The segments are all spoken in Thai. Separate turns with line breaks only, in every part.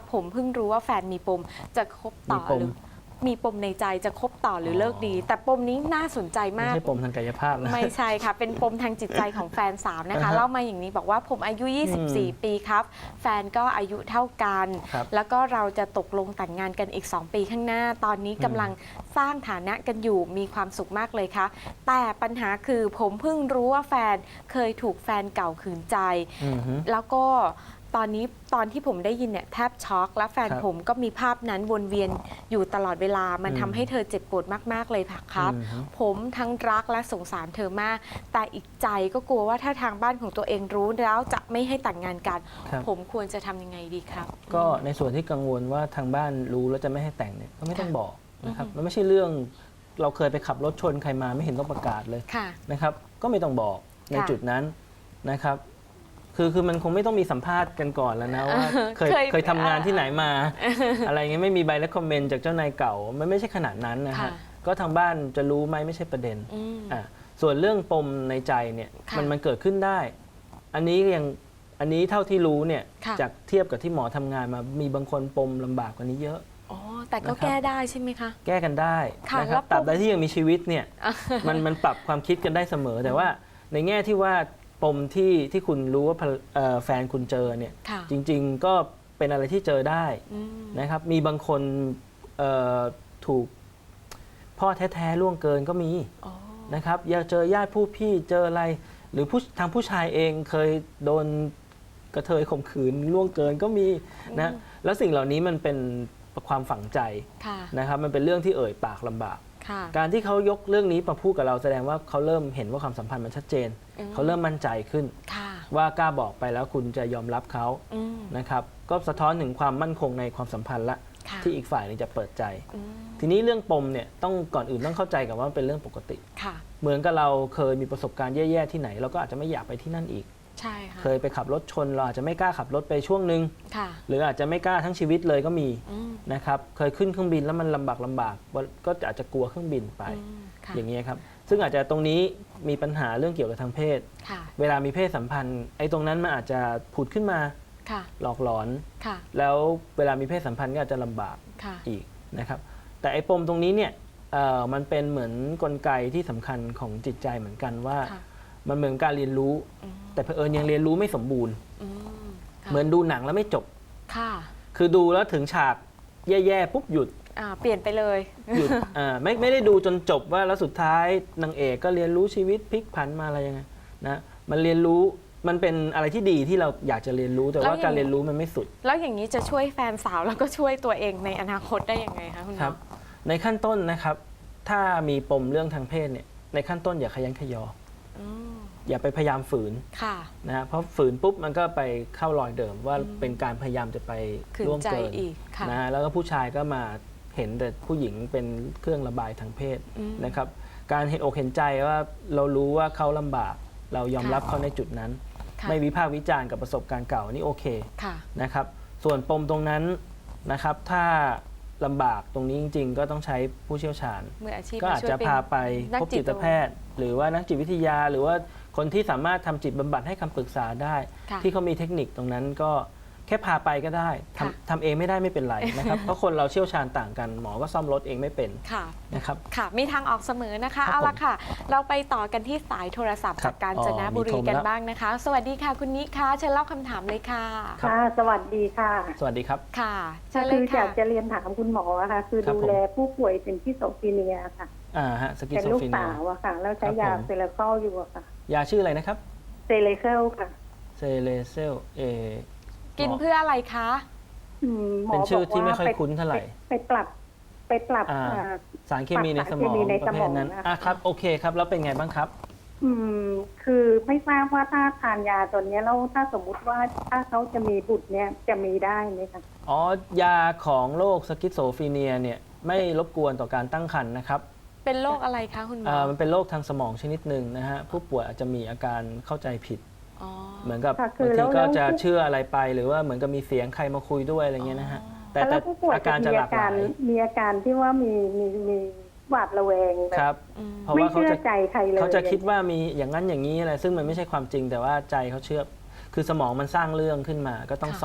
ผมเพิ่งรู้ว่าแฟนมีปมจะคบต่อหรือมีปมในใจจะคบต่อหรือเลิกดี แต่ปมนี้น่าสนใจมาก
ไม่ใช่ปมทางกายภาพนะ
ไม่ใช่ค่ะเป็นปมทางจิตใจของแฟนสาวนะคะเล่ามาอย่างนี้บอกว่าผมอายุ 24 ปีครับแฟนก็อายุเท่ากันแล้วก็เราจะตกลงแต่งงานกันอีก 2 ปีข้างหน้าตอนนี้กำลังสร้างฐานะกันอยู่มีความสุขมากเลยค่ะแต่ปัญหาคือผมเพิ่งรู้ว่าแฟนเคยถูกแฟนเก่าขืนใจแล้วก็ตอนที่ผมได้ยินเนี่ยแทบช็อกและแฟนผมก็มีภาพนั้นวนเวียนอยู่ตลอดเวลามันทำให้เธอเจ็บปวดมากๆเลยครับผมทั้งรักและสงสารเธอมากแต่อีกใจก็กลัวว่าถ้าทางบ้านของตัวเองรู้แล้วจะไม่ให้แต่งงานกันผมควรจะทำยังไงดีครับ
ก็ในส่วนที่กังวลว่าทางบ้านรู้แล้วจะไม่ให้แต่งเนี่ยก็ไม่ต้องบอกนะครับมันไม่ใช่เรื่องเราเคยไปขับรถชนใครมาไม่เห็นต้องประกาศเลยนะครับก็ไม่ต้องบอกในจุดนั้นนะครับคือมันคงไม่ต้องมีสัมภาษณ์กันก่อนแล้วนะว่าเคยทำงานที่ไหนมาอะไรเงี้ยไม่มีใบและคอมเมนต์จากเจ้านายเก่ามันไม่ใช่ขนาดนั้นนะฮะก็ทางบ้านจะรู้ไหมไม่ใช่ประเด็นส่วนเรื่องปมในใจเนี่ยมันเกิดขึ้นได้อันนี้เท่าที่รู้เนี่ยจากเทียบกับที่หมอทำงานมามีบางคนปมลำบากกว่านี้เยอะ
อ๋อแต่ก็แก้ได้ใช่ไหมคะ
แก้กันได้นะครับตราบใดที่ยังมีชีวิตเนี่ยมันปรับความคิดกันได้เสมอแต่ว่าในแง่ที่ว่าปมที่คุณรู้ว่าแฟนคุณเจอเนี่ยจริงๆก็เป็นอะไรที่เจอได้นะครับมีบางคนถูกพ่อแท้ๆล่วงเกินก็มีนะครับอย่าเจอญาติผู้พี่เจออะไรหรือทางผู้ชายเองเคยโดนกระเทยข่มขืนล่วงเกินก็มีนะแล้วสิ่งเหล่านี้มันเป็นความฝังใจนะครับมันเป็นเรื่องที่เอ่ยปากลำบากการที่เขายกเรื่องนี้มาพูดกับเราแสดงว่าเขาเริ่มเห็นว่าความสัมพันธ์มันชัดเจนเขาเริ่มมั่นใจขึ้นว่ากล้าบอกไปแล้วคุณจะยอมรับเขานะครับก็สะท้อนถึงความมั่นคงในความสัมพันธ์ละที่อีกฝ่ายนึงจะเปิดใจทีนี้เรื่องปมเนี่ยต้องก่อนอื่นต้องเข้าใจกับว่ามันเป็นเรื่องปกติเหมือนกับเราเคยมีประสบการณ์แย่ๆที่ไหนเราก็อาจจะไม่อยากไปที่นั่นอีกเคยไปขับรถชนเราอาจจะไม่กล้าขับรถไปช่วงหนึ่งหรืออาจจะไม่กล้าทั้งชีวิตเลยก็มีนะครับเคยขึ้นเครื่องบินแล้วมันลำบากก็อาจจะกลัวเครื่องบินไปอย่างนี้ครับซึ่งอาจจะตรงนี้มีปัญหาเรื่องเกี่ยวกับทางเพศเวลามีเพศสัมพันธ์ไอ้ตรงนั้นมันอาจจะผุดขึ้นมาหลอกหลอนแล้วเวลามีเพศสัมพันธ์ก็อาจจะลำบากอีกนะครับแต่ไอ้ปมตรงนี้เนี่ยมันเป็นเหมือนกลไกที่สำคัญของจิตใจเหมือนกันว่ามันเหมือนการเรียนรู้แต่เผอิญยังเรียนรู้ไม่สมบูรณ์เหมือนดูหนังแล้วไม่จบคือดูแล้วถึงฉากแย่ๆปุ๊บหยุด
เปลี่ยนไปเลย
หยุดไม่ได้ดูจนจบว่าแล้วสุดท้ายนางเอกก็เรียนรู้ชีวิตพลิกผันมาอะไรยังไงนะมันเรียนรู้มันเป็นอะไรที่ดีที่เราอยากจะเรียนรู้แต่ว่าการเรียนรู้มันไม่สุด
แล้วอย่างนี้จะช่วยแฟนสาวแล้วก็ช่วยตัวเองในอนาคตได้ยังไงคะคุณหมอ
ครับในขั้นต้นนะครับถ้ามีปมเรื่องทางเพศเนี่ยในขั้นต้นอย่าขยันขยออย่าไปพยายามฝืนนะเพราะฝืนปุ๊บมันก็ไปเข้ารอยเดิมว่าเป็นการพยายามจะไปล่วงเกินนะแล้วก็ผู้ชายก็มาเห็นแต่ผู้หญิงเป็นเครื่องระบายทางเพศนะครับการเห็นอกเห็นใจว่าเรารู้ว่าเขาลำบากเรายอมรับเขาในจุดนั้นไม่วิพากษ์วิจารณ์กับประสบการณ์เก่านี่โอเคนะครับส่วนปมตรงนั้นนะครับถ้าลำบากตรงนี้จริงๆก็ต้องใช้ผู้เชี่ยวชาญก็อาจจะพาไปพบจิตแพทย์หรือว่านักจิตวิทยาหรือว่าคนที่สามารถทำจิตบำบัดให้คำปรึกษาได้ที่เขามีเทคนิคตรงนั้นก็แค่พาไปก็ได้ทำเองไม่ได้ไม่เป็นไรนะครับเพราะคนเราเชี่ยวชาญต่างกันหมอก็ซ่อมรถเองไม่เป็นนะครับ
ค่ะมีทางออกเสมอนะคะเอาละค่ะเราไปต่อกันที่สายโทรศัพท์จากกาญจนบุรีกันบ้างนะคะสวัสดีค่ะคุณนิคะเชิญเล่าคำถามเลยค่ะ
ค่ะสวัสดีค่ะ
สวัสดีครับ
ค่ะ
คืออยากจะเรียนถามคุณหมอค่ะคือดูแลผู้ป่วยเป็นสกิโซฟรีเนียค่ะเป็นลูกสาวอะค่ะแล้วใช้ยาเซเลเซลอยู่อะค่ะ
ยาชื่ออะไรนะครับ
เซเลเซลค่ะ
เซเลเซล
กินเพื่ออะไรคะ
เป็นชื่อที่ไม่ค่อยคุ้นเท่าไหร่
ไปปรับ
สารเคมีในสมองประเภทนั้นครับโอเคครับแล้วเป็นไงบ้างครับ
คือไม่ทราบว่าถ้าทานยาตัวนี้แล้วถ้าสมมุติว่าถ้าเขาจะมีบุตรเนี่ยจะมีได้ไหมคะ
ยาของโรคสกิสโซฟรีเนียเนี่ยไม่รบกวนต่อการตั้งครรภ์นะครับ
เป็นโรคอะไรคะคุณหมอ
มันเป็นโรคทางสมองชนิดหนึ่งนะฮะผู้ป่วยอาจจะมีอาการเข้าใจผิดเหมือนกับบางทีก็จะเชื่ออะไรไปหรือว่าเหมือนกับมีเสียงใครมาคุยด้วยอะไรเงี้ยนะฮะ
แต่อาการจะหลากหลายมีอาการที่ว่ามีหวาดระแวง
ครับ
เพราะว่าเขาจะใจใครเลย
เขาจะคิดว่ามีอย่างนั้นอย่างนี้อะไรซึ่งมันไม่ใช่ความจริงแต่ว่าใจเขาเชื่อคือสมองมันสร้างเรื่องขึ้นมาก็ต้องซ่อม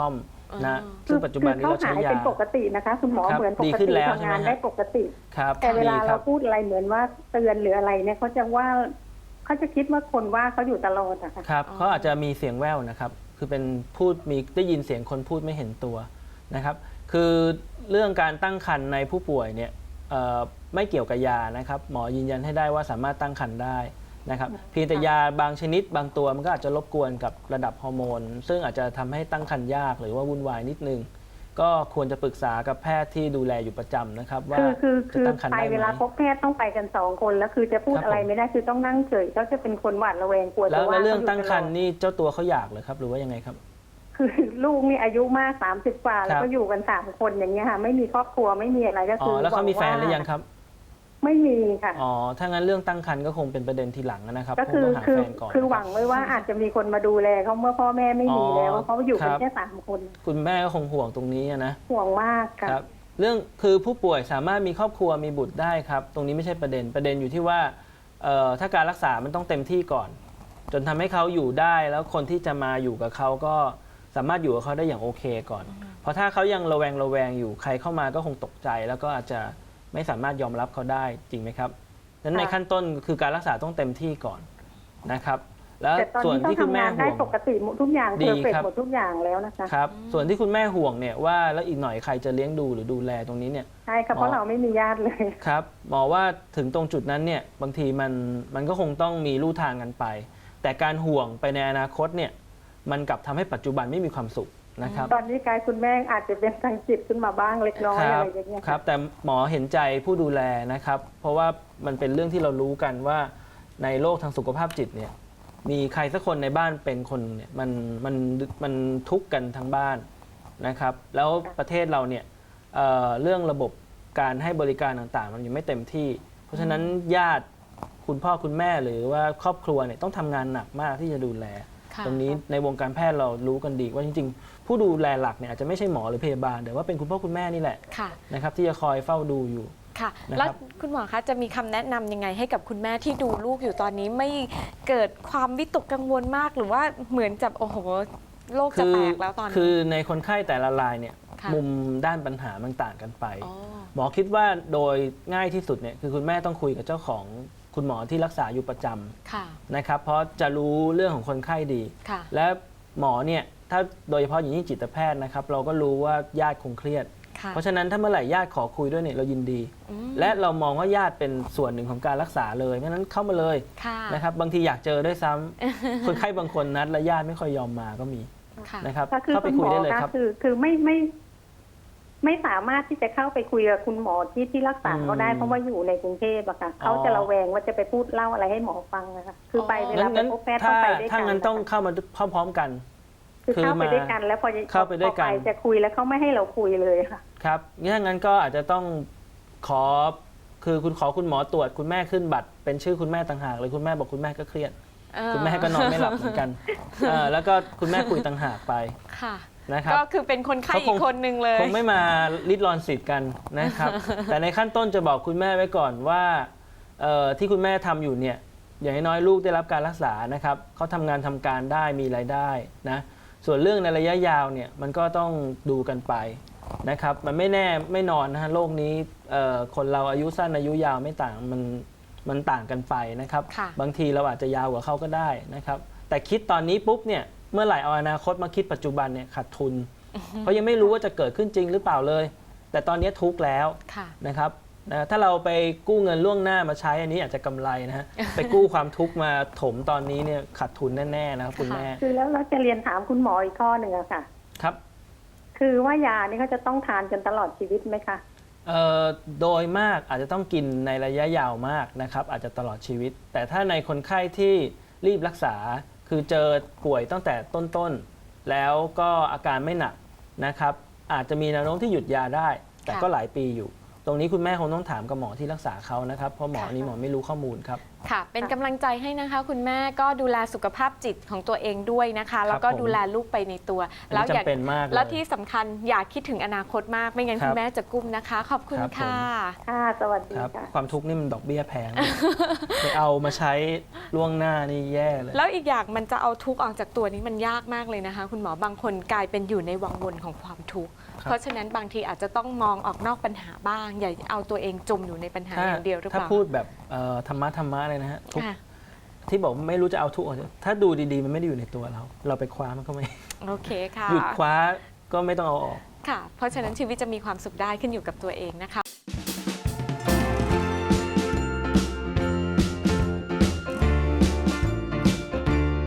นะซึ่งปัจจุบันนี้เราใช้ยา
เป็นปกตินะคะคุณหมอ
ครับ
เหมือนป
ดี
ก
ขึ้น
ติ
แล้ว
ทำงาน
ใช่ไหมฮะ
ได้ปกติ
ครับ
แต่เวลา
ดีค
เรา
บ
พูดอะไรเหมือนว่าเตือนหรืออะไรเนี่ยเขาจะว่าเขาจะคิดว่าคนว่าเขาอยู่ตลอดอะค่ะ
ครับเขาอาจจะมีเสียงแว่วนะครับ คือเป็นพูดมีได้ยินเสียงคนพูดไม่เห็นตัวนะครับ คือเรื่องการตั้งครรภ์ในผู้ป่วยเนี่ยไม่เกี่ยวกับยานะครับ หมอยืนยันให้ได้ว่าสามารถตั้งครรภ์ได้นะครับ เพียงแต่ยาบางชนิดบางตัวมันก็อาจจะรบกวนกับระดับฮอร์โมน ซึ่งอาจจะทำให้ตั้งครรภ์ยากหรือว่าวุ่นวายนิดนึง ก็ควรจะปรึกษากับแพทย์ที่ดูแลอยู่ประจำนะครับว่า
คือ
จะตั้งครรภ์
ไป
ได้ไห
เวลาม พบแพทย์ต้องไปกัน2 คนแล้วคือจะพูด
ครับ
อะไรไม่ได้คือต้องนั่งเฉยเขาจะเป็นคนหวาดระแวงกลัว
แล้
จะ
ว
ว่า
เรื่อง
ขายู่
ตั้งครรภ์
ตลอด
นี่เจ้าตัวเขาอยากเลยครับหรือว่ายังไงครับ
คือลูกนี่อายุมาก30 กว่าแล้วก็อยู่กัน3 คนอย่างเงี้ยค่ะไม่มีครอบครัวไม่มีอะไรก็
อ๋
คือ
อแล้วเขามีแฟนหรือยังครับ
ไม่มีค่ะ
อ๋อ ถ้างั้นเรื่องตั้งครรภ์ก็คงเป็นประเด็นทีหลังนะครับ
ก็
คงต้องหาแฟนก่อน
คือหวังไว้ว่าอาจจะมีคนมาดูแลเขาเมื่อพ่อแม่ไม่มีแล้วเขาอยู่กันแค่3 คน
คุณแม่ก็คงห่วงตรงนี้นะ
ห่วงมากค่ะ
ครับเรื่องคือผู้ป่วยสามารถมีครอบครัวมีบุตรได้ครับ ตรงนี้ไม่ใช่ประเด็นอยู่ที่ว่าถ้าการรักษามันต้องเต็มที่ก่อน จนทำให้เขาอยู่ได้แล้วคนที่จะมาอยู่กับเขาก็สามารถอยู่กับเขาได้อย่างโอเคก่อน เพราะถ้าเขายังระแวงอยู่ใครเข้ามาก็คงตกใจ แล้วก็อาจจะไม่สามารถยอมรับเขาได้จริงไหมครับนั้นในขั้นต้นคือการรักษาต้องเต็มที่ก่อนนะครับ แล้ว
แต่ตอน
ส่วน
นี้เขา
ที่คุณ
ทำ
แม่
งาน
ห่
ได้
วง
ปกติหมดทุกอย่าง
ดี
เพอร์เฟก
ครับ
หมดทุกอย่างแล้วนะคะ
ครับส่วนที่คุณแม่ห่วงเนี่ยว่าแล้วอีกหน่อยใครจะเลี้ยงดูหรือดูแลตรงนี้เนี่ย
ใช่ค่ะเพราะเราไม่มีญาติเลย
ครับหมอว่าถึงตรงจุดนั้นเนี่ยบางทีมันก็คงต้องมีลู่ทางกันไป แต่การห่วงไปในอนาคตเนี่ยมันกลับทำให้ปัจจุบันไม่มีความสุขนะครับ
ตอนนี้กายคุณแม่อาจจะเป็นทางจิตขึ้นมาบ้างเล็กน้อยอะไรอย่างเงี้ย
ครับแต่หมอเห็นใจผู้ดูแลนะครับ เพราะว่ามันเป็นเรื่องที่เรารู้กันว่าในโลกทางสุขภาพจิตเนี่ยมีใครสักคนในบ้านเป็นคนเนี่ยมันทุกข์กันทั้งบ้านนะครับแล้วประเทศเราเนี่ยเรื่องระบบการให้บริการต่างๆ มันยังไม่เต็มที่ เพราะฉะนั้นญาติคุณพ่อคุณแม่หรือว่าครอบครัวเนี่ยต้องทำงานหนักมากที่จะดูแล ตรงนี้ในวงการแพทย์เรารู้กันดีว่าจริงๆ ผู้ดูแลหลักเนี่ยอาจจะไม่ใช่หมอหรือพยาบาลแต่ว่าเป็นคุณพ่อคุณแม่นี่แหละนะครับที่จะคอยเฝ้าดูอยู่
ค่ะ
นะครับ
แล้วคุณหมอคะจะมีคำแนะนำยังไงให้กับคุณแม่ที่ดูลูกอยู่ตอนนี้ไม่เกิดความวิตกกังวลมากหรือว่าเหมือนจะโอ้โหโลกจะแตกแล้วตอนนี้
คือในคนไข้แต่ละรายเนี่ย
ค่ะ
มุมด้านปัญหามันต่างกันไป
อ๋อ
หมอคิดว่าโดยง่ายที่สุดเนี่ยคือคุณแม่ต้องคุยกับเจ้าของคุณหมอที่รักษาอยู่ประจ
ค่ะ
ำนะครับเพราะจะรู้เรื่องของคนไข้ดี
ค่ะ
และหมอเนี่ยถ้าโดยเฉพาะอย่างยิ่งจิตแพทย์นะครับเราก็รู้ว่าญาติคงเครียด
ค่ะ
เพราะฉะนั้นถ้าเมื่อไหร่ญาติขอคุยด้วยเนี่ยเรายินดี และเรามองว่าญาติเป็นส่วนหนึ่งของการรักษาเลยเพราะฉะนั้นเข้ามาเลย
ค่ะ
นะครับบางทีอยากเจอด้วยซ้ำ คนไข้บางคนนัดและญาติไม่ค่อยยอมมาก็มี
ค่ะ
นะครับ
ก็คือ
เข้าไป
คุณห
คุ
ม
ย
อ
ได้เลย
คะ
ครับ
คือไม่สามารถที่จะเข้าไปคุยกับคุณหมอที่รักษาเขาได้เพราะว่าอยู่ในกรุงเทพอะค่ะเขาจะระแวงว่าจะไปพูดเล่าอะไรให้หมอฟังนะคะคือไปเวลาไป
งั้น
พบแพทย์ต้องไปด้วยกัน
ถ้างั้นต้องเข้ามาพร้อมๆกัน
คือเข้าไปด้วยกันแล้วพอ
เข้าไปด้วยกัน
พอจะคุยแล้วเขาไม่ให้เราคุยเลยค่ะ
ครับถ้างั้นก็อาจจะต้องขอคือคุณขอคุณหมอตรวจคุณแม่ขึ้นบัตรเป็นชื่อคุณแม่ต่างหากเลยคุณแม่บอกคุณแม่ก็เครียด คุณแม่ก็นอนไม่หลับเหมือนกันแล้วก็คุณแม่คุยต่างหากไป
ค่ะ
นะครับ
ก็คือเป็นคนไข้อีกคนหนึ่งเลย
คงไม่มาริดรอนสิทธิ์กันนะครับ แต่ในขั้นต้นจะบอกคุณแม่ไว้ก่อนว่าที่คุณแม่ทำอยู่เนี่ยอย่างน้อยๆลูกได้รับการรักษานะครับเขาทำงานทำการได้มีรายได้นะส่วนเรื่องในระยะยาวเนี่ยมันก็ต้องดูกันไปนะครับมันไม่แน่ไม่นอนนะฮะโลกนี้คนเราอายุสั้นอายุยาวไม่ต่างมันต่างกันไปนะครับ
ค่ะ
บางทีเราอาจจะยาวกว่าเขาก็ได้นะครับแต่คิดตอนนี้ปุ๊บเนี่ยเมื่อไหร่เอาอนาคตมาคิดปัจจุบันเนี่ยขาดทุน เพราะยังไม่รู้ว่าจะเกิดขึ้นจริงหรือเปล่าเลย แต่ตอนนี้ทุกข์แล้ว
ค่ะ
นะครับถ้าเราไปกู้เงินล่วงหน้ามาใช้อันนี้อาจจะกำไรนะฮะ ไปกู้ความทุกข์มาถมตอนนี้เนี่ยขาดทุนแน่ๆนะครับคุณแม่
คือแล้วเราจะเรียนถามคุณหมออีกข้อหนึ่งอะค่ะ
ครับ
คือว่ายานี่เขาจะต้องทานกันตลอดชีวิตไหมคะ
โดยมากอาจจะต้องกินในระยะยาวมากนะครับอาจจะตลอดชีวิต แต่ถ้าในคนไข้ที่รีบรักษาคือเจอป่วยตั้งแต่ต้นๆแล้วก็อาการไม่หนักนะครับอาจจะมีแนวโน้มที่หยุดยาได้ แต่ก็หลายปีอยู่ตรงนี้คุณแม่คงต้องถามกับหมอที่รักษาเขานะครับเพราะหมอนี้หมอไม่รู้ข้อมูลครับ
ค่ะ เป็นกำลังใจให้นะคะ คุณแม่ก็ดูแลสุขภาพจิตของตัวเองด้วยนะคะ แล้วก็ดูแลลูกไปในตัว
แล้วจำเป็นมากเลย
แล้วที่สำคัญอย่าคิดถึงอนาคตมากไม่งั้น
ครับ
คุณแม่จะกุ้มนะคะ ขอบคุณ
ครับผม
ค่ะ
ค่ะสวัสดี
ครับ
ค่ะ
ความทุกข์นี่มันดอกเบี้ยแพง ไปเอามาใช้ล่วงหน้านี่แย่เลย
แล้วอีกอย่างมันจะเอาทุกข์ออกจากตัวนี้มันยากมากเลยนะคะ คุณหมอบางคนกลายเป็นอยู่ในวังวนของความทุกข์
ครับ
เพราะฉะนั้นบางทีอาจจะต้องมองออกนอกปัญหาบ้าง อย่าเอาตัวเองจมอยู่ในปัญหาอย่างเดียวหรือเป
ถ้า
ล่า
พูดแบบธรรมะเลยนะฮะทุกข์
ค่ะ
ที่บอกไม่รู้จะเอาทุกข์ออกจากถ้าดูดีๆมันไม่ได้อยู่ในตัวเรา เราไปคว้ามันก็ไม่
โอเคค่ะ
หยุดคว้าก็ไม่ต้องเอาออก
ค่ะ เพราะฉะนั้นชีวิตจะมีความสุขได้ขึ้นอยู่กับตัวเองนะคะ